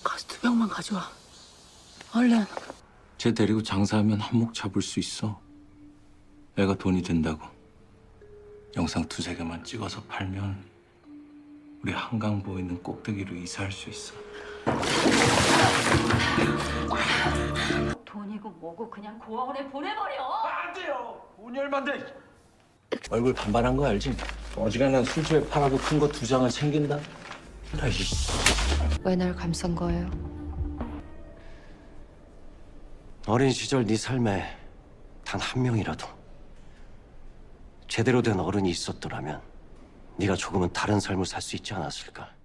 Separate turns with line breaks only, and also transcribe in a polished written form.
가서 2병만 가져와. 얼른.
쟤 데리고 장사하면 한몫 잡을 수 있어. 애가 돈이 된다고. 영상 2-3개만 찍어서 팔면 우리 한강 보이는 꼭대기로 이사할 수 있어.
돈이고 뭐고 그냥 고아원에 보내버려.
안 돼요. 돈이 얼만데. 얼굴 반반한 거 알지? 어지간한 술집에 팔아도 큰 거 2장을 챙긴다. 아이씨.
왜 날 감싼 거예요?
어린 시절 네 삶에 단 한 명이라도 제대로 된 어른이 있었더라면 네가 조금은 다른 삶을 살 수 있지 않았을까?